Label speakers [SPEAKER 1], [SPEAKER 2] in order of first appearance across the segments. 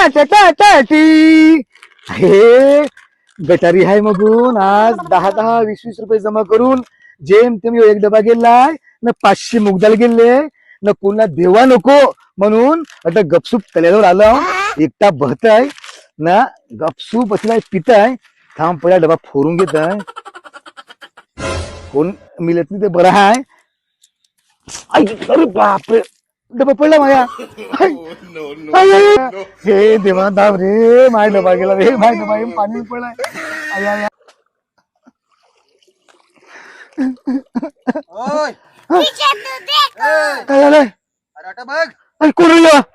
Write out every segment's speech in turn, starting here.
[SPEAKER 1] हे गटारी आहे मगून आज 10-10, 20-20 रुपये जमा करून जेम तुम्ही एक डबा गेलाय न 500 मुगदाल गेले न पुन्हा देवा नको म्हणून आता गपसूप तल्यावर आलो एकटा बहताय ना गपसूप बसलाय पिताय थांब पहिला डबा फोडून घेत आहे कोण मिळत नाही ते बरं आहे अरे बापरे डबा पडला माझ्या हे देवा दाब रे माय डबा गेला रे माय डबा पाणी पडलाय काय झालंय
[SPEAKER 2] अरे बघ
[SPEAKER 1] अरे कोण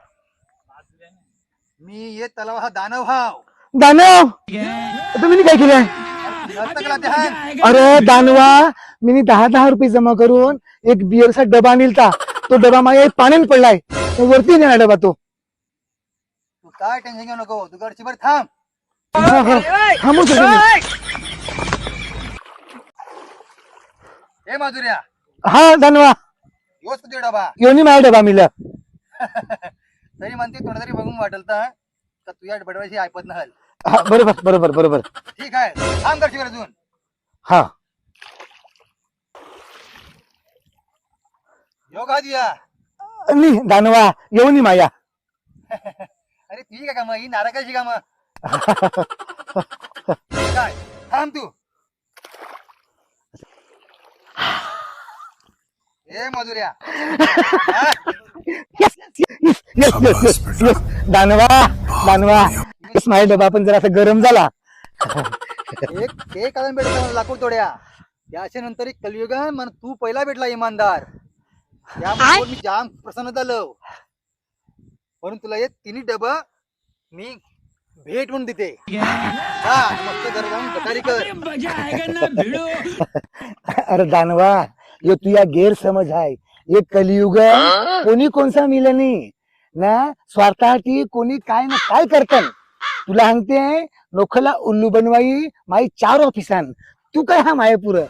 [SPEAKER 2] मी ये तलाव हा दानव हाव
[SPEAKER 1] दानव तुम्ही काय केलंय अरे दानवा मी 10-10 रुपये जमा करून एक बिअरचा डबा आणला तो डबा माझ्या पाण्यात पडलाय वरती नाही डबा तो
[SPEAKER 2] तू काय टेन्शन घेऊ नको तू गडचीवर थांब
[SPEAKER 1] थांबू
[SPEAKER 2] हे माधुर्या
[SPEAKER 1] हा दानवा
[SPEAKER 2] योच तुझे डबा
[SPEAKER 1] येऊन माझा डबा मिळला
[SPEAKER 2] तरी म्हणते थोडं तरी बघून वाटेल तर का तुझ्या बडवायची ऐपत नहल
[SPEAKER 1] बरोबर बरोबर बरोबर
[SPEAKER 2] ठीक आहे थांब गडचीवर अजून
[SPEAKER 1] हा
[SPEAKER 2] योगा दिया
[SPEAKER 1] नी दानवा येऊन माया
[SPEAKER 2] अरे ती काय काम ही नारकाची काम काय थांब तू ए मधुर्या
[SPEAKER 1] दानवा दानवा माझा डबा पण जरा गरम झाला
[SPEAKER 2] एक ते कारण भेटला मला लाकूड तोड्या त्याच्या नंतर एक कलियुग आहे मन तू पहिला भेटला इमानदार त्यामुळे मी जाम प्रसन्न झालो म्हणून तुला हे तिन्ही डबा मी भेट म्हणून देते हा मस्त जरा जाऊन गटारी कर
[SPEAKER 1] अरे दानवा यो तुझा गैरसमज आहे ये कलियुग कोणी कोणसा मिलनी ना स्वार्थासाठी कोणी काय ना काय करतन तुला सांगते नोखला उल्लू बनवाई माई 4 ऑफिसान तू काय हा मायापुर